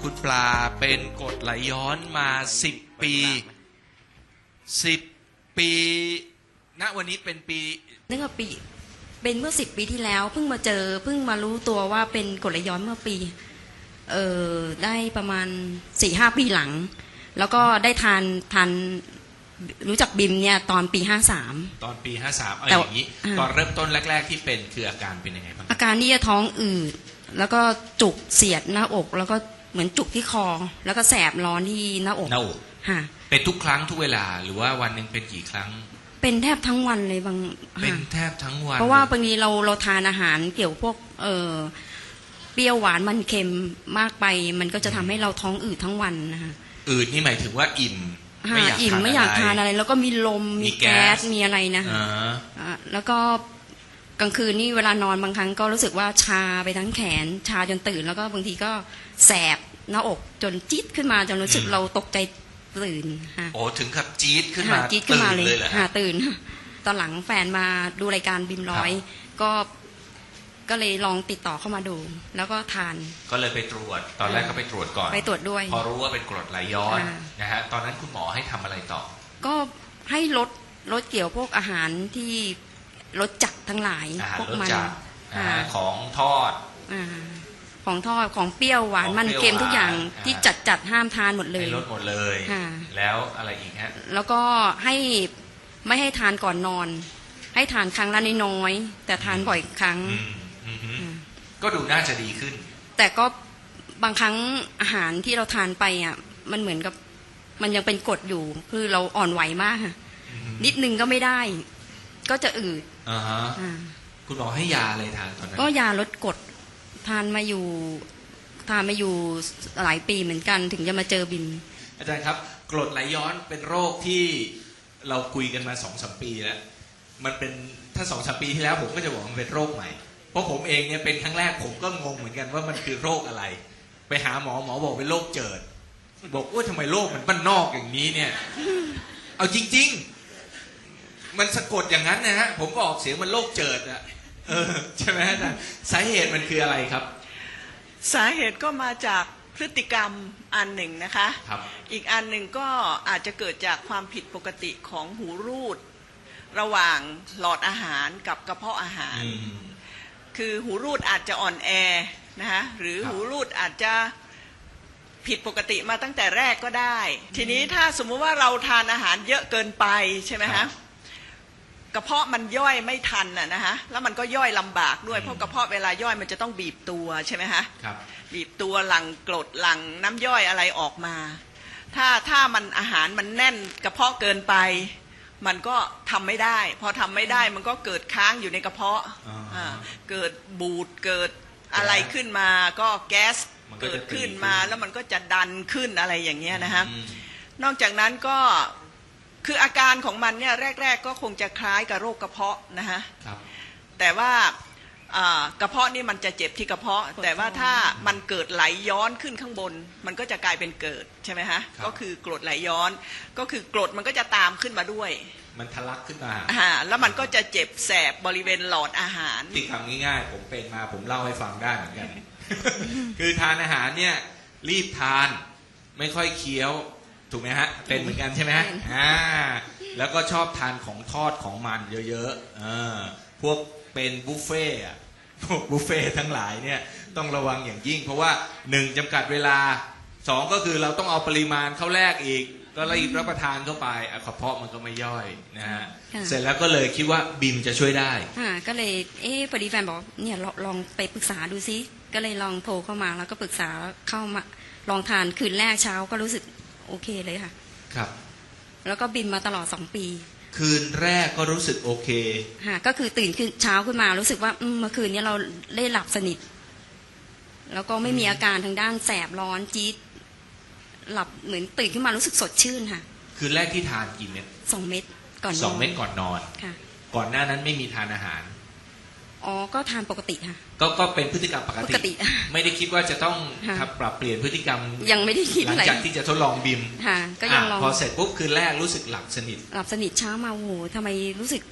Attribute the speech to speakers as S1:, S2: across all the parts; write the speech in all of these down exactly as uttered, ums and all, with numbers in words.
S1: คุณปลาเป็นกรดไหลย้อนมาสิบปีสิบปีณวันนี้เป็นปี
S2: นึกว่าปีเป็นเมื่อสิบปีที่แล้วเพิ่งมาเจอเพิ่งมารู้ตัวว่าเป็นกรดไหลย้อนเมื่อปีเออได้ประมาณสี่ห้าปีหลังแล้วก็ได้ทานทานรู้จักบิมเนี่ยตอนปีห้าสาม
S1: ตอนปีห้าสามเอาอย่างนี้ตอนเริ่มต้นแรกๆที่เป็นคืออาการเป็นยังไงบ้าง
S2: อาการนี่จะท้องอืดแล้วก็จุกเสียดหน้าอกแล้วก็เหมือนจุกที่คอแล้วก็แสบร้อนที่หน้าอก
S1: หน้าอก
S2: ค่ะ
S1: เป็นทุกครั้งทุกเวลาหรือว่าวันหนึ่งเป็นกี่ครั้ง
S2: เป็นแทบทั้งวันเลยบาง
S1: เป็นแทบทั้งวัน
S2: เพราะว่าบางทีเราเราทานอาหารเกี่ยวพวกเออเปรี้ยวหวานมันเค็มมากไปมันก็จะทำให้เราท้องอืดทั้งวันนะคะ
S1: อืดนี่หมายถึงว่าอิ่ม
S2: ไม่อยากอิ่มไม่อยากทานอะไรแล้วก็มีลมมีแก๊สมีอะไรนะแล้วก็กลางคืนนี่เวลานอนบางครั้งก็รู้สึกว่าชาไปทั้งแขนชาจนตื่นแล้วก็บางทีก็แสบหน้าอกจนจี๊ดขึ้นมาจนรู้สึกเราตกใจตื่นค่ะ
S1: โอ้ถึงกับจี๊ดขึ้นมา
S2: จี๊ดขึ้นมาเลยค่ะตื่นตอนหลังแฟนมาดูรายการบิมร้อยก็ก็เลยลองติดต่อเข้ามาดูแล้วก็ทาน
S1: ก็เลยไปตรวจตอนแรกก็ไปตรวจก่อน
S2: ไปตรวจด้วย
S1: พอรู้ว่าเป็นกรดไหลย้อนนะฮะตอนนั้นคุณหมอให้ทำอะไรต่อ
S2: ก็ให้ลดลดเกี่ยวพวกอาหารที่ลดจัดทั้งหลายพวกมัน
S1: ของทอด
S2: ของทอดของเปรี้ยวหวานมันเค็มทุกอย่างที่จัดจัดห้ามทานหมดเลย
S1: ลดหมดเลยแล้วอะไรอีกฮะ
S2: แล้วก็ให้ไม่ให้ทานก่อนนอนให้ทานครั้งละน้อยๆแต่ทานบ่อยครั้ง
S1: ก็ดูน่าจะดีขึ้น
S2: แต่ก็บางครั้งอาหารที่เราทานไปอ่ะมันเหมือนกับมันยังเป็นกรดอยู่คือเราอ่อนไหวมากค่ะนิดนึงก็ไม่ได้ก็จะอืด
S1: อ่าฮะคุณหมอให้ยาอะไรทานตอนนั้น
S2: ก็ยาลดกรดทานมาอยู่ทานมาอยู่หลายปีเหมือนกันถึงจะมาเจอบิม
S1: อาจารย์ครับกรดไหลย้อนเป็นโรคที่เราคุยกันมาสองสามปีแล้วมันเป็นถ้าสองสามปีที่แล้วผมก็จะบอกมันเป็นโรคใหม่เพราะผมเองเนี่ยเป็นครั้งแรกผมก็งงเหมือนกันว่ามันคือโรคอะไรไปหาหมอหมอบอกเป็นโรคเจิดบอกว่าทำไมโรคมันบ้านนอกอย่างนี้เนี่ยเอาจริงๆมันสะกดอย่างนั้นนะฮะผมก็ออกเสียงมันโรคเจิดอะเออใช่ไหมอาจารย์สาเหตุมันคืออะไรครับ
S3: สาเหตุก็มาจากพฤติกรรมอันหนึ่งนะคะ
S1: ครับ
S3: อีกอันหนึ่งก็อาจจะเกิดจากความผิดปกติของหูรูดระหว่างหลอดอาหารกับกระเพาะอาหารคือหูรูดอาจจะอ่อนแอนะคะหรือหูรูดอาจจะผิดปกติมาตั้งแต่แรกก็ได้ทีนี้ถ้าสมมุติว่าเราทานอาหารเยอะเกินไปใช่ไหมคะกระเพาะมันย่อยไม่ทันน่ะนะคะแล้วมันก็ย่อยลำบากด้วยเพราะกระเพาะเวลาย่อยมันจะต้องบีบตัวใช่ไหมคะบีบตัวหลั่งกรดหลั่งน้ำย่อยอะไรออกมาถ้าถ้ามันอาหารมันแน่นกระเพาะเกินไปมันก็ทำไม่ได้พอทำไม่ได้มันก็เกิดค้างอยู่ในกระเพาะเกิดบูดเกิดอะไรขึ้นมาก็แก๊สเกิดขึ้นมาแล้วมันก็จะดันขึ้นอะไรอย่างเงี้ยนะฮะนอกจากนั้นก็คืออาการของมันเนี่ยแรกๆก็คงจะคล้ายกับโรคกระเพาะนะฮะแต่ว่ากระเพาะนี่มันจะเจ็บที่กระเพาะแต่ว่าถ้ามันเกิดไหลย้อนขึ้นข้างบนมันก็จะกลายเป็นเกิดใช่ไหมฮะก็คือกรดไหลย้อนก็คือกรดมันก็จะตามขึ้นมาด้วย
S1: มันทะลักขึ้นมา
S3: อ่าแล้วมันก็จะเจ็บแสบบริเวณหลอดอาหาร
S1: ที่ทำง่ายๆผมเป็นมาผมเล่าให้ฟังได้เหมือนกัน คือทานอาหารเนี่ยรีบทานไม่ค่อยเคี้ยวถูกไหมฮะเป็นเหมือนกันใช่ไหมฮะอ่าแล้วก็ชอบทานของทอดของมันเยอะๆอ่าพวกเป็นบุฟเฟ่อะพวกบุฟเฟ่ทั้งหลายเนี่ยต้องระวังอย่างยิ่งเพราะว่าหนึ่งจำกัดเวลาสองก็คือเราต้องเอาปริมาณเข้าแลกอีกก็รีบรับประทานเข้าไปกระเพาะมันก็ไม่ย่อยนะฮะเสร็จแล้วก็เลยคิดว่าบิมจะช่วยได้
S2: อ่าก็เลยเอ๊ะพอดีแฟนบอกเนี่ยลองไปปรึกษาดูซิก็เลยลองโทรเข้ามาแล้วก็ปรึกษาเข้ามาลองทานคืนแรกเช้าก็รู้สึกโอเคเลยค่ะ
S1: ครับ
S2: แล้วก็บิมมาตลอดสองปี
S1: คืนแรกก็รู้สึกโอเค
S2: ค่ะก็คือตื่นขึ้นเช้าขึ้นมารู้สึกว่าเมื่อคืนนี้เราได้หลับสนิทแล้วก็ไม่มีอาการทางด้านแสบร้อนจี๊ดหลับเหมือนตื่นขึ้นมารู้สึกสดชื่นค่ะ
S1: คืนแรกที่ทานกี่เม็ด
S2: สองเม็ดก่อนนอน
S1: สองเม็ดก่อนนอน
S2: ค่ะ
S1: ก่อนหน้านั้นไม่มีทานอาหาร
S2: อ๋อก็ทานปกติค่ะ
S1: ก็ก็เป็นพฤติกรรมปกติไม่ได้คิดว่าจะต้องปรับเปลี่ยนพฤติกรรม
S2: ยังไม่ได้คิด
S1: หลังจากที่จะทดลองบิม
S2: ค่ะก็ยังลอง
S1: พอเสร็จปุ๊บคืนแรกรู้สึกหลับสนิท
S2: หลับสนิทเช้ามาโอ้โหทำไมรู้สึก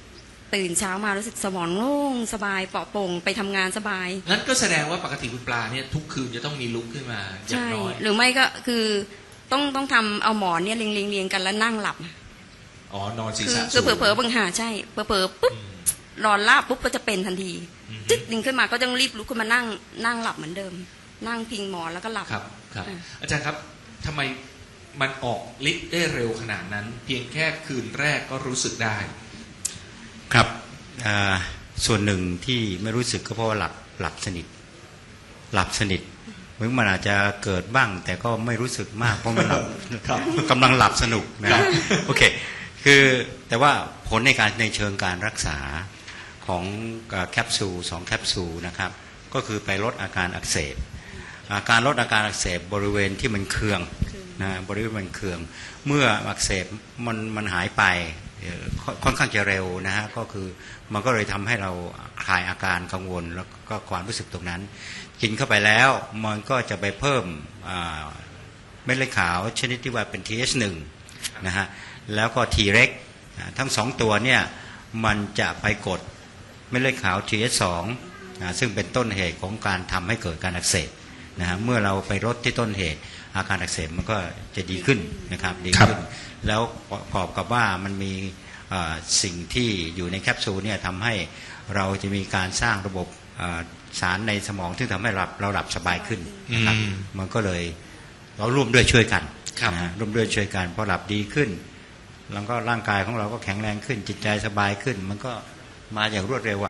S2: ตื่นเช้ามารู้สึกสมองโล่งสบายปลอดโปร่งไปทำงานสบาย
S1: งั้นก็แสดงว่าปกติคุณปลาเนี่ยทุกคืนจะต้องมีลุกขึ้นมาอย่าง
S2: ใช่
S1: น้อย
S2: หรือไม่ก็คือต้องต้องทำเอาหมอนเนี่ยเรียงเรียงเรียงกันแล้วนั่งหลับ
S1: อ๋อนอนศีร
S2: คือ
S1: ษะ
S2: คือเผล
S1: สู
S2: อง เผลอๆบางหาใช่เผลอเผลอๆปุ๊บ
S1: อืม
S2: นอนลาบปุ๊บก็จะเป็นทันที
S1: อืม
S2: จึ๊กดึงขึ้นมาก็ต้องรีบลุกขึ้นมานั่งนั่งหลับเหมือนเดิม นั่งพิงหมอนแล้วก็หลับ
S1: ครับครับ
S2: อ่ะ
S1: อาจารย์ครับทำไมมันออกฤทธิ์ได้เร็วขนาดนั้น เพียงแค่คืนแรกก็รู้สึกได้
S4: ครับอ่าส่วนหนึ่งที่ไม่รู้สึกก็เพราะว่าหลับหลับสนิทหลับสนิทเหมือนมันอาจจะเกิดบ้าง แต่ก็ไม่รู้สึกมากเพราะมันหลับ
S1: ครับ
S4: กำลังหลับสนุกนะครับ โอเคคือแต่ว่าผลในการในเชิงการรักษาของแคปซูลสองแคปซูลนะครับก็คือไปลดอาการอักเสบอาการลดอาการอักเสบบริเวณที่มันเคืองนะบริเวณมันเคืองเมื่ออักเสบมันมันหายไปเอ่อค่อนค่อนข้างจะเร็วนะฮะก็คือมันก็เลยทำให้เราคลายอาการกังวลแล้วก็ความรู้สึกตรงนั้นกินเข้าไปแล้วมันก็จะไปเพิ่มอ่าเม็ดเลือดขาวชนิดที่ว่าเป็น ที เอช วัน นะฮะแล้วก็ T เร็กทั้งสองตัวเนี่ยมันจะไปกดเม็ดเลือดขาว ที เอช ทู นะซึ่งเป็นต้นเหตุของการทำให้เกิดการอักเสบนะฮะเมื่อเราไปลดที่ต้นเหตุอาการอักเสบมันก็จะดีขึ้นนะครับดีขึ้นแล้วประกอบกับว่ามันมีเอ่อสิ่งที่อยู่ในแคปซูลเนี่ยทำให้เราจะมีการสร้างระบบเอ่อสารในสมองที่ทำให้เราเราหลับสบายขึ้นนะครับ
S1: อืม
S4: มันก็เลยเราร่วมด้วยช่วยกัน
S1: ครับ
S4: นะฮะร่วมด้วยช่วยกันพอหลับดีขึ้น แล้วก็ร่างกายของเราก็แข็งแรงขึ้นจิตใจสบายขึ้น มันก็มาอย่างรวดเร็ว